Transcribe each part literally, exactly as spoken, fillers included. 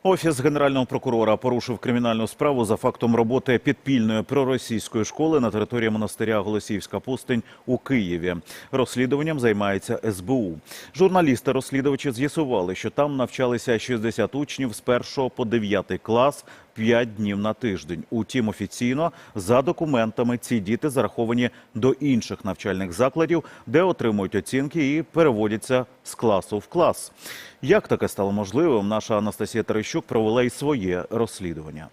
Офіс Генерального прокурора порушив кримінальну справу за фактом роботи підпільної проросійської школи на території монастиря Голосіївська пустинь у Києві. Розслідуванням займається ес бе у. Журналісти-розслідувачі з'ясували, що там навчалися шістдесят учнів з першого по дев'ятий клас п'ять днів на тиждень. Утім, офіційно, за документами, ці діти зараховані до інших навчальних закладів, де отримують оцінки і переводяться з класу в клас. Як таке стало можливим, наша Анастасія Терещук провела й своє розслідування.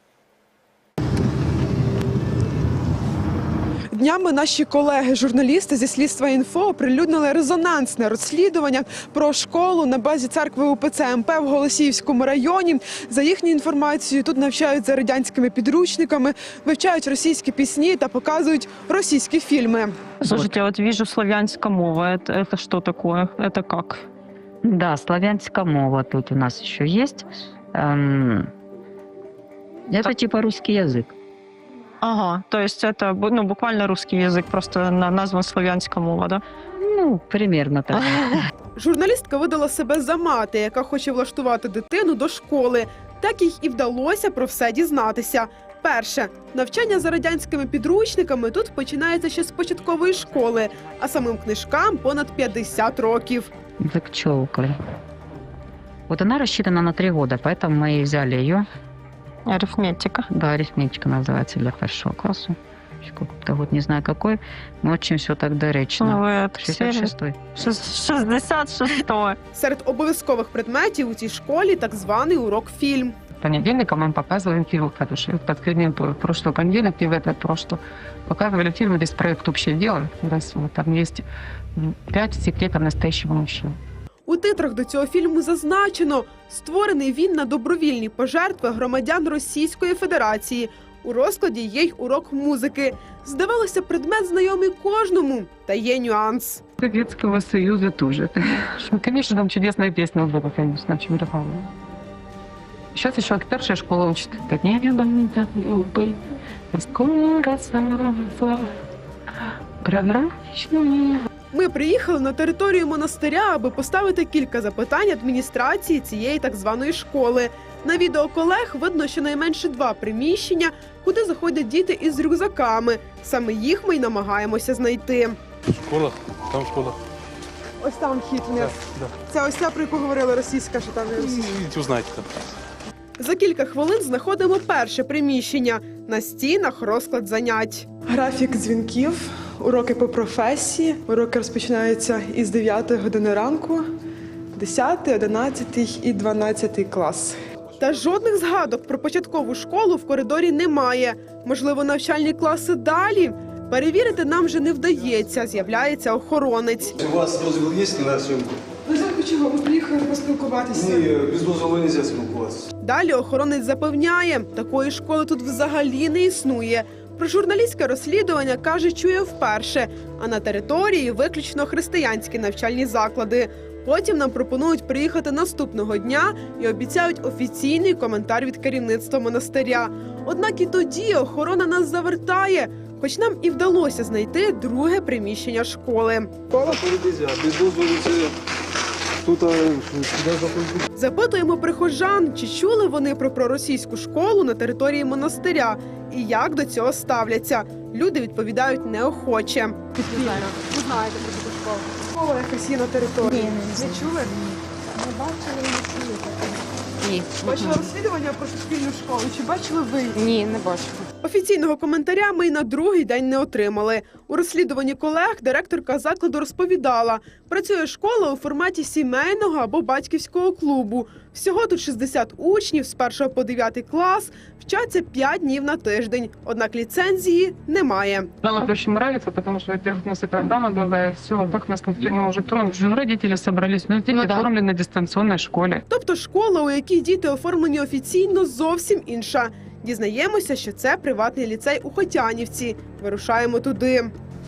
Днями наші колеги-журналісти зі Слідства Інфо оприлюднили резонансне розслідування про школу на базі церкви у пе це ем пе в Голосіївському районі. За їхньою інформацією, тут навчають за радянськими підручниками, вивчають російські пісні та показують російські фільми. Слушайте, вот вижу славянская мова. Это, это что такое? Это как? Да, славянская мова тут у нас еще есть. Эм, это Так. типа русский язык. Ага, то есть это ну, буквально русский язык, просто на- назван славянская мова, да? Ну, примерно так. Журналістка видала себе за мати, яка хоче влаштувати дитину до школи. Так їй і вдалося про все дізнатися. Перше, навчання за радянськими підручниками тут починається ще з початкової школи, а самим книжкам понад п'ятдесят років. Так челка. Вот она рассчитана на три года, поэтому мы и взяли ее. Арифметика. Да, арифметика называется для первого класса. Еще какой-то год, не знаю какой. Но очень все так Ну, доречно. вы это шестьдесят все- шестой. Шест- шестьдесят шестой. Серед обов'язкових предметів у цій школі так званий урок фільм. Понедельником мы показываем фильм хороший. Последний прошлый понедельник и в этот прошлый показывали фильм весь проект «Общее дело». Россия. Там есть пять секретов настоящего мужчины. У титрах до цього фільму зазначено, створений він на добровільні пожертви громадян Російської Федерації. У розкладі є й урок музики. Здавалося, предмет знайомий кожному, та є нюанс. Советского Союза тоже. Конечно, там чудесная песня была, конечно, очень нравилась. Сейчас еще старшая школа учит. Как не любовь, так любовь, скоро снова прозрачный. Ми приїхали на територію монастиря, аби поставити кілька запитань адміністрації цієї так званої школи. На відео колег видно щонайменше два приміщення, куди заходять діти із рюкзаками. Саме їх ми й намагаємося знайти. Школа, там школа. Ось там вхід вниз. Да. Це ось ця, про яку говорила російська, що там є російська. Идите узнаете там. За кілька хвилин знаходимо перше приміщення. На стінах розклад занять. Графік дзвінків, уроки по професії. Уроки розпочинаються із дев'ятої години ранку, десятий, одинадцятий і дванадцятий клас. Та жодних згадок про початкову школу в коридорі немає. Можливо, навчальні класи далі? Перевірити нам вже не вдається, з'являється охоронець. У вас дозвіл є на зйомку? Ви знаєте, чого? Ми приїхали поспілкуватися. Ні, без дозволу не можна спілкуватися. Далі охоронець запевняє, такої школи тут взагалі не існує. Про журналістське розслідування, каже, чує вперше, а на території виключно християнські навчальні заклади. Потім нам пропонують приїхати наступного дня і обіцяють офіційний коментар від керівництва монастиря. Однак і тоді охорона нас завертає, хоч нам і вдалося знайти друге приміщення школи. Школа передізя, без дозволу це тут а, сюди заходить. Запитуємо прихожан, чи чули вони про проросійську школу на території монастиря і як до цього ставляться. Люди відповідають неохоче. Ви знаєте про таку школу? Школа якась є на території. Ні, Не чули? Не бачили, не чули. Ні. Бачили розслідування про суспільну школу? Чи бачили ви? Ні, не бачила. Офіційного коментаря ми й на другий день не отримали. У розслідуванні колег директорка закладу розповідала, працює школа у форматі сімейного або батьківського клубу. Всього тут шістдесят учнів з першого по дев'ятий клас, вчаться п'ять днів на тиждень. Однак ліцензії немає. Нам это очень нравится, потому что, во-первых, у нас и программа была, и все, как нас не уже тронуть. Уже родители собрались, но дети оформлены на дистанционной школе. Тобто школа, у якій діти оформлені офіційно, зовсім інша. Дізнаємося, що це приватний ліцей у Хотянівці. Вирушаємо туди.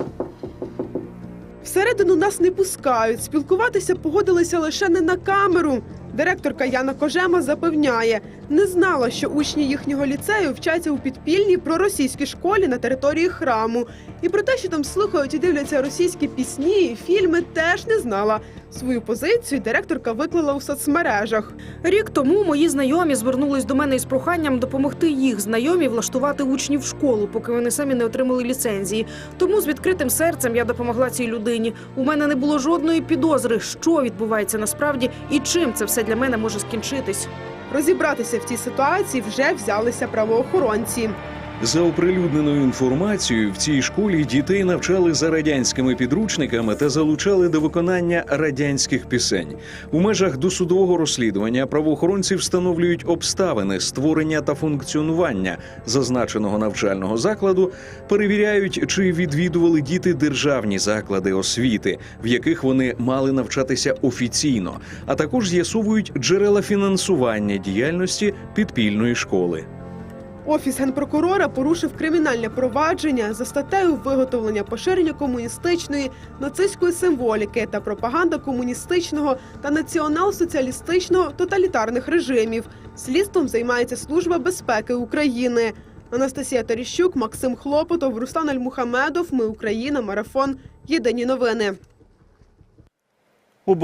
Всередину нас не пускають. Спілкуватися погодилися лише не на камеру. Директорка Яна Кожема запевняє, не знала, що учні їхнього ліцею вчаться у підпільній проросійській школі на території храму. І про те, що там слухають і дивляться російські пісні і фільми, теж не знала. Свою позицію директорка виклала у соцмережах. Рік тому мої знайомі звернулись до мене із проханням допомогти їх знайомі влаштувати учнів в школу, поки вони самі не отримали ліцензії. Тому з відкритим серцем я допомогла цій людині. У мене не було жодної підозри, що відбувається насправді і чим це все для мене може скінчитись. Розібратися в цій ситуації вже взялися правоохоронці. За оприлюдненою інформацією, в цій школі дітей навчали за радянськими підручниками та залучали до виконання радянських пісень. У межах досудового розслідування правоохоронці встановлюють обставини створення та функціонування зазначеного навчального закладу, перевіряють, чи відвідували діти державні заклади освіти, в яких вони мали навчатися офіційно, а також з'ясовують джерела фінансування діяльності підпільної школи. Офіс генпрокурора порушив кримінальне провадження за статтею виготовлення поширення комуністичної, нацистської символіки та пропаганда комуністичного та націонал-соціалістичного тоталітарних режимів. Слідством займається Служба безпеки України. Анастасія Терещук, Максим Хлопотов, Руслан Альмухамедов. Ми Україна. Марафон. Єдині новини.